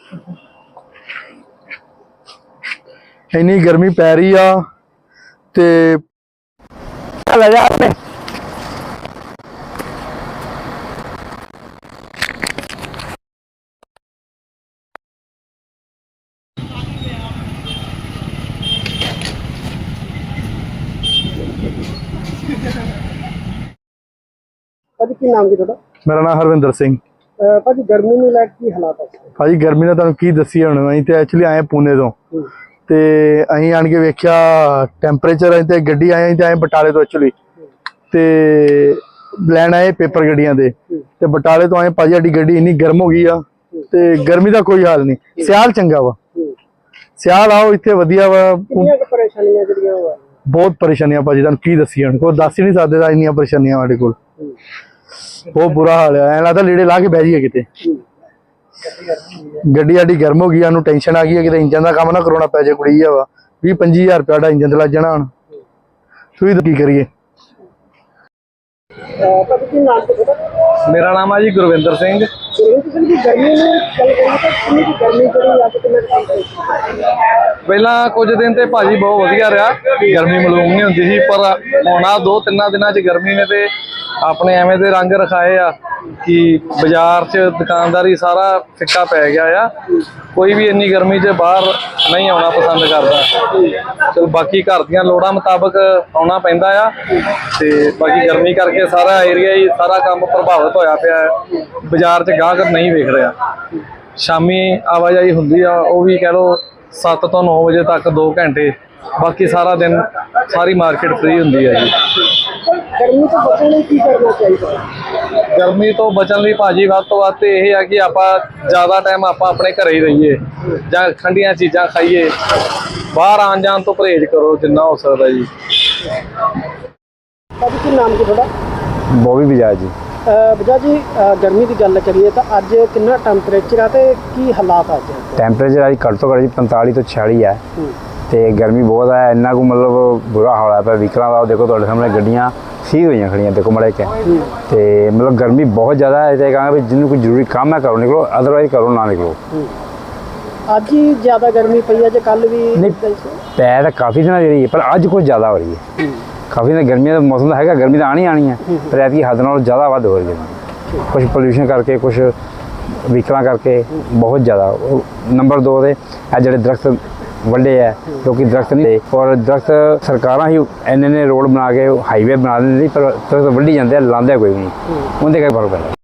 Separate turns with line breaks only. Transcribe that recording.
इन्नी गर्मी पै रही आ ते
ਭਾਜੀ ਕੀ ਨਾਮ ਕੀ ਤੁਹਾਡਾ?
मेरा नाम हरविंदर सिंह।
ਭਾਜੀ ਗਰਮੀ ਨੂੰ ਲੈ ਕੇ ਕੀ ਹਾਲਾਤ ਹੈ?
भाजी गर्मी का तुहानू की दसी हुण असीं ते एक्चुअली आए पुणे तो ते असीं आण के वेख्या टैंपरेचर असीं ते गड्डी आए ते आए बटाले तो एक्चुअली ते लैन आए पेपर गड्डियां दे ते बटाले तो आए भाजी साडी गड्डी इन्नी गर्म हो गई आ ते गर्मी का कोई हाल नहीं। सियाल चंगा वा, सियाल आओ इत्थे वधिया वा।
परेशानियां ਜਿਹੜੀਆਂ
बहुत परेशानियां भाजी तुहानू की दसी हुण कोई दस ही नहीं सकदे इन्नियां परेशानियां साडे कोल। बहुत बुरा हाल है, ऐ लगदा लीड़े ला के बह जाइए किते। गड्डी साडी गर्म हो गई, सानू टेंशन आ गई है कि इंजन का काम ना करवाना पै जाए। कुड़ी वा 20-25 हज़ार रुपया इंजन ते लग जाना हुण तुसीं की करिए।
मेरा नाम है जी गुरविंदर सिंह। ਪਹਿਲਾਂ ਕੁਝ ਦਿਨ ਤੇ ਭਾਜੀ ਬਹੁਤ ਵਧੀਆ ਰਿਹਾ, ਗਰਮੀ ਮਾਲੂਮ ਨਹੀਂ ਹੁੰਦੀ ਸੀ, ਪਰ ਹੁਣ ਆ 2-3 ਦਿਨਾਂ 'ਚ ਗਰਮੀ ਨੇ ਤੇ ਆਪਣੇ ਐਵੇਂ ਦੇ ਰੰਗ ਰਖਾਏ ਆ ਕਿ ਬਾਜ਼ਾਰ 'ਚ ਦੁਕਾਨਦਾਰੀ ਸਾਰਾ ਫਿੱਕਾ ਪੈ ਗਿਆ ਆ। ਕੋਈ ਵੀ ਇੰਨੀ ਗਰਮੀ 'ਚ ਬਾਹਰ ਨਹੀਂ ਆਉਣਾ ਪਸੰਦ ਕਰਦਾ। ਚਲ ਬਾਕੀ ਘਰ ਦੀਆਂ ਲੋੜਾਂ ਮੁਤਾਬਕ ਆਉਣਾ ਪੈਂਦਾ ਆ ਤੇ ਬਾਕੀ ਗਰਮੀ ਕਰਕੇ ਸਾਰਾ ਏਰੀਆ ਹੀ ਸਾਰਾ ਕੰਮ ਪ੍ਰਭਾਵਿਤ ਹੋਇਆ ਪਿਆ। ਬਾਜ਼ਾਰ 'ਚ ਗਾਹਕ ਨਹੀਂ ਵੇਖ ਰਿਹਾ। ਸ਼ਾਮੀ ਆਵਾਜਾਈ ਹੁੰਦੀ ਆ, ਉਹ ਵੀ ਕਹਿ ਲਓ 7 ਤੋਂ 9 ਵਜੇ ਤੱਕ 2 ਘੰਟੇ। ਬਾਕੀ ਸਾਰਾ ਦਿਨ ਸਾਰੀ ਮਾਰਕੀਟ ਫ੍ਰੀ ਹੁੰਦੀ ਹੈ ਜੀ।
गर्मी तो बचने लिए की करना चाहिए?
ਗਰਮੀ ਤੋਂ ਬਚਣ ਲਈ ਭਾਜੀ ਵੱਧ ਤੋਂ ਵੱਧ ਇਹ ਆ ਕਿ ਆਪਾਂ ਜ਼ਿਆਦਾ ਟਾਈਮ ਆਪਾਂ ਆਪਣੇ ਘਰੇ ਹੀ ਰਹੀਏ ਜਾਂ ਠੰਡੀਆਂ ਚੀਜ਼ਾਂ ਖਾਈਏ। ਬਾਹਰ ਆਉਣ ਜਾਣ ਤੋਂ ਪਰਹੇਜ਼ ਕਰੋ ਜਿੰਨਾ ਹੋ ਸਕਦਾ ਜੀ।
ਭਾਜੀ ਕੀ ਨਾਮ ਕੀ ਤੁਹਾਡਾ?
ਬੋਬੀ ਬਜਾਜ ਜੀ।
ਬਜਾਜ ਜੀ ਗਰਮੀ ਦੀ ਗੱਲ ਕਰੀਏ ਤਾਂ ਅੱਜ ਕਿੰਨਾ ਟੈਂਪਰੇਚਰ ਆ ਤੇ ਕੀ ਹਾਲਾਤ ਅੱਜ?
ਟੈਂਪਰੇਚਰ ਅੱਜ ਘੱਟ ਤੋਂ ਘੱਟ ਜੀ 45 ਤੋਂ 46 ਹੈ ਤੇ ਗਰਮੀ ਬਹੁਤ ਹੈ। ਇੰਨਾ ਕੁ ਮਤਲਬ ਬੁਰਾ ਹਾਲ ਹੈ ਪਿਆ ਵਹੀਕਲਾਂ ਦਾ। ਦੇਖੋ ਤੁਹਾਡੇ ਸਾਹਮਣੇ ਗੱਡੀਆਂ ਸੀ ਹੋਈਆਂ ਖੜੀਆਂ, ਦੇਖੋ ਮੜੇ ਕੇ ਤੇ ਮਤਲਬ ਗਰਮੀ ਬਹੁਤ ਜ਼ਿਆਦਾ ਹੈ। ਤੇ ਕਹਾਂਗਾ ਵੀ ਜਿਹਨੂੰ ਕੋਈ ਜ਼ਰੂਰੀ ਕੰਮ ਹੈ ਕਰੋ ਨਿਕਲੋ, ਅਦਰਵਾਈਜ਼ ਕਰੋ ਨਾ ਨਿਕਲੋ।
ਅੱਜ ਹੀ ਜ਼ਿਆਦਾ ਗਰਮੀ ਪਈ ਹੈ ਜੇ ਕੱਲ ਵੀ?
ਨਹੀਂ, ਪੈ ਤਾਂ ਕਾਫੀ ਦਿਨਾਂ ਦੀ ਰਹੀ ਹੈ ਪਰ ਅੱਜ ਕੁਝ ਜ਼ਿਆਦਾ ਹੋ ਰਹੀ ਹੈ। ਕਾਫੀ ਦਿਨ ਗਰਮੀਆਂ ਦਾ ਮੌਸਮ ਤਾਂ ਹੈਗਾ, ਗਰਮੀ ਤਾਂ ਆਉਣੀ ਹੈ ਪਰ ਐਤਕੀ ਹੱਦ ਨਾਲੋਂ ਜ਼ਿਆਦਾ ਵੱਧ ਹੋ ਰਹੀ ਹੈ। ਕੁਛ ਪੋਲਿਊਸ਼ਨ ਕਰਕੇ, ਕੁਛ ਵਹੀਕਲਾਂ ਕਰਕੇ ਬਹੁਤ ਜ਼ਿਆਦਾ। ਨੰਬਰ 2 ਤੇ ਇਹ ਜਿਹੜੇ ਦਰਖਤ ਵੱਡੇ ਹੈ, ਕਿਉਂਕਿ ਦਰਖਤ ਨਹੀਂ ਔਰ ਦਰਖਤ ਸਰਕਾਰਾਂ ਹੀ ਇੰਨੇ ਰੋਡ ਬਣਾ ਕੇ ਹਾਈਵੇ ਬਣਾ ਦਿੰਦੇ, ਪਰ ਦਰਖਤ ਵੱਢੀ ਜਾਂਦੇ ਆ, ਲਾਉਂਦੇ ਕੋਈ ਨਹੀਂ, ਉਹਦੇ ਕਰਕੇ ਫਰਕ ਪੈਂਦਾ।